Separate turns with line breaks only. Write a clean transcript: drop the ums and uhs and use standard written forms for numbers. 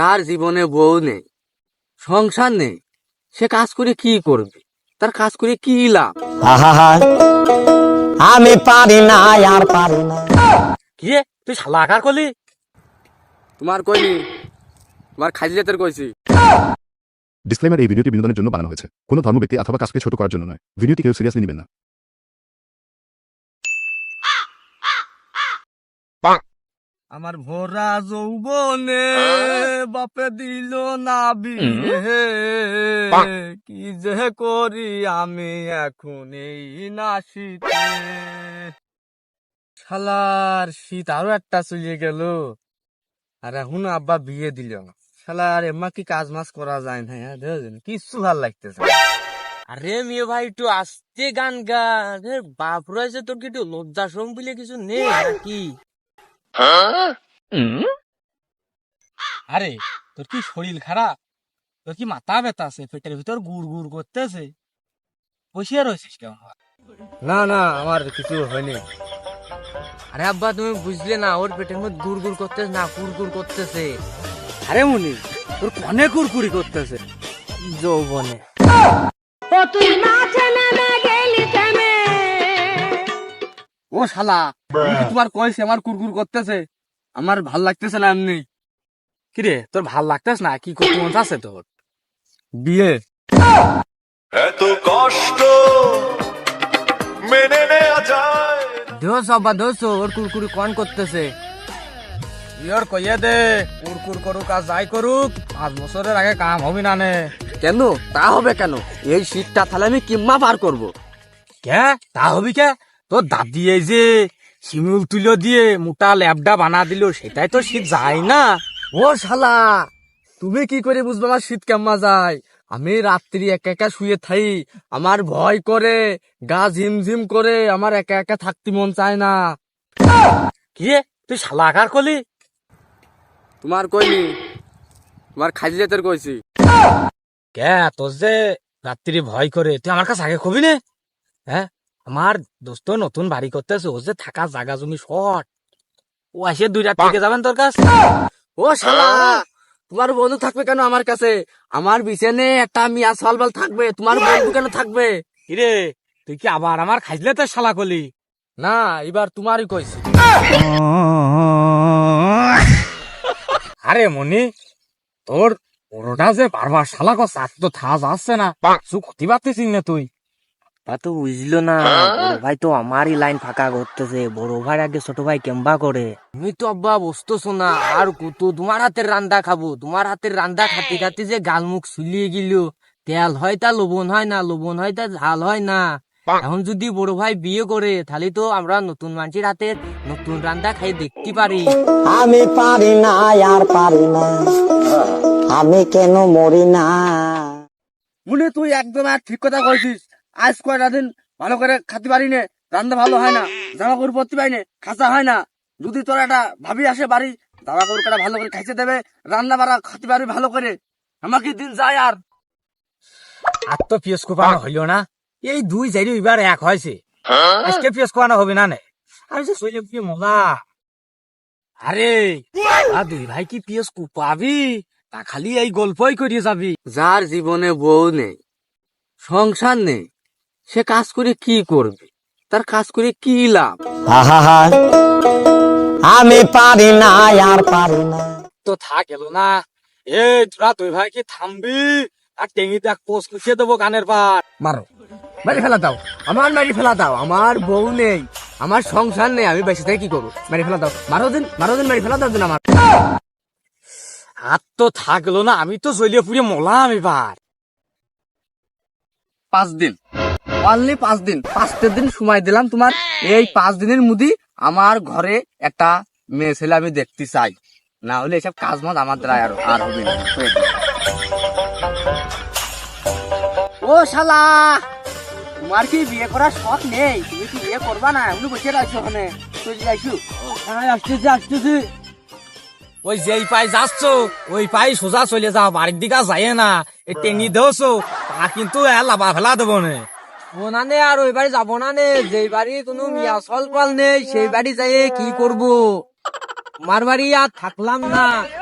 তার জীবনে বউ নেই, সংসার নেই, সে কাজ করে কি করবে? তার কাজ করে কি লাভ?
আমি পারি না, আর পারি না।
কি রে, তুই শালা আকার করলি? তোমার কইনি, তোমার খাইলে তোর কইছি।
ডিসক্লেমার: এই ভিডিওটি বিনোদনের জন্য বানানো হয়েছে, কোনো ধর্ম ব্যক্তি অথবা কাজকে ছোট করার জন্য নয়। ভিডিওটি কেউ সিরিয়াসলি নেবেন না।
আমার ভরা যৌবনে বাপে দিল না বিয়ে, কি যে করি আমি এখন এই না শীতে। শালার শীত আরো একটা চলে গেল, আর এখন আব্বা বিয়ে দিল না। শালার এমা কি কাজ মাস করা যায় না, কিচ্ছু ভাল লাগতেছে। আরে মেয়ে ভাই একটু আস্তে গান গা, বাপ রয়েছে, তোর কি একটু লজ্জা শরম বলে কিছু নেই নাকি? আরে তোর কি শরীর খারাপ? তোর কি মাথা ব্যথা আছে? পেটের ভিতর গুড় গুড় করতেছে? বসিয়ে রয়েছিস কেমন? না না, আমার কিছু হয়নি। আরে আব্বা তুমি বুঝলে না, ওর পেটের মধ্যে গুড় গুড় করতেছে না, কুড়কুড় করতেছে। আরে মুনি, তোর কনে কুড়কুড়ি করতেছে? যৌবনে। ও শালা, তোমার কয়েছে আমার কুড়কুড় করতেছে, আমার ভাল লাগতেছে না এমনি। কিরে, তোর ভাল লাগতেছে না? কি করতে মন আছে তোর? বিয়ে।
এত কষ্ট মেনে নেওয়া যায়?
দোষ আব্বা দোষ, ওর কুড়কুড়ি কন করতেছে। ইয়র কইয়ে দে, কুড়কুড় করুক আর যাই করুক, 5 বছরের আগে কাম হবি না নে। কেন? তা হবে কেন? এই শীতটা তাহলে আমি কিম্মা পার করবো। কে তা হবি কে? তোর দাদি এই যে শিমুল তুলো দিয়ে মোটা ল্যাবডা বানা দিল, সেটাই তো শীত যায় না। ও শালা, তুমি কি করে বুঝবে আমার শীত কেমন যায়? আমি রাত্রি একা একা শুয়ে থাই, আমার ভয় করে, গা ঝিমঝিম করে, আমার একা একা থাকতে মন চায় না। কি রে, তুই শালা আকার করলি? তোমার কইনি, তোমার খাইলে তোর কইছি। কে তোর যে রাত্রি ভয় করে, তুই আমার কাছে আগে কবি নে। হ্যাঁ, আমার দোস্ত নতুন বাড়ি করতেছে, ও যে থাকা জায়গা জমি শর্ট, ও আসে 2 রাত থেকে যাবেন তোর কাছে। ও শালা, তোমার বন্ধু থাকবে কেন আমার কাছে? আমার বিছানে একটা মিয়া সালবাল থাকবে, তোমার বন্ধু কেন থাকবে? কিরে, তুই কি আবার আমার খাইলে তোর শালা কলি? না, এবার তোমারই কইছি। আরে মনি, তোর বড়টা যে বারবার শালা কস, তো থা যাচ্ছে না, কিছু ক্ষতি পাচ্ছিস না তুই? তা তো বুঝলো না, বড় ভাই তো আমারই লাইন ফাঁকা করতেছে। বড় ভাই আগে ছোট ভাই কেম্বা করে। তুমি তো আব্বা বসতেছো না, আর কত তোমার হাতের রান্দা খাবো? তোমার হাতের রান্দা খাতে খাতে যে গাল মুখ শুলিয়ে গেল, তেল হয় তা লবণ হয় না, লবণ হয় তা ঝাল হয় না। এখন যদি বড় ভাই বিয়ে করে, তাহলে তো আমরা নতুন মানুষের হাতের নতুন রান্দা খাই দেখতে পারি।
আমি পারি না, আর পারি না, আমি কেন মরি না।
মনে তুই একদম আর ঠিক কথা কইছিস। আজ কয়টা দিন ভালো করে খাতে পারি নে, রান্না ভালো হয় না, জামা কাপড় পরতে পারি না, খাঁচা হয় না। যদি তোর একটা ভাবি আসে বাড়ি, জামা কাপড় কটা ভালো করে খাইতে দেবে, রান্না বাড়া খাতে পারবি ভালো করে, আমাকে দিন যায়। আর তো পিয়াজ কোপানো হইল না, এই 2 জারি এবার এক হয়েছে, আজকে পিয়াজ কোপানো হবে না। আর যে শৈলে কি মজা। আরে 2 ভাই কি পিয়াজ কোপাবি? তা খালি এই গল্পই করিয়ে যাবি। যার জীবনে বউ নেই, সংসার নেই, সে কাজ করে কি করবে? তার কাজ করে কি লাভ?
আমি পারি না, আর পারি না।
তো থাক এলো না। এ তোরা 2 ভাই কি থামবি? আর টেঙ্গিতে এক পোস্ট লিখে দেবো গানের পার। মারো, মারি ফেলা দাও, আমার মারি ফেলা দাও। আমার বউ নেই, আমার সংসার নেই, আমি বেঁচে থেকে কি করবো? মারি ফেলা দাও, মারো দিন মারি ফেলা দাও দিন আমার। হাত তো থাকলো না, আমি তো জ্বলিয়ে পুড়িয়ে মলাম এবার। 5 দিন, অনলি 5 দিন, 5টা দিন সময় দিলাম তোমার। এই 5 দিনের মধ্যে আমার ঘরে একটা মেয়ে ছেলে আমি দেখতে চাই, না হলে এসব কাজ মাজ আমার দ্বারা আর হবে না। ও শালা, তোমার কি বিয়ে করার শখ নেই? তুমি কি বিয়ে করবা না? এমনি বসে রাখছো ওখানে, চলে যাইছো। আসতেছি। ওই যেই পাই যাচ্ছ, ওই পাই সোজা চলে যাও, বাড়ির দিকে যায় না। এই টেঙ্গি দেওছো, তা কিন্তু লাভা ফেলা দেবো না। না নে, আর ওই বাড়ি যাবো না নে। যেই বাড়ি কোনো মিয়া সল পাল নেই, সেই বাড়ি যাই কি করবো? আমার বাড়ি আর থাকলাম না।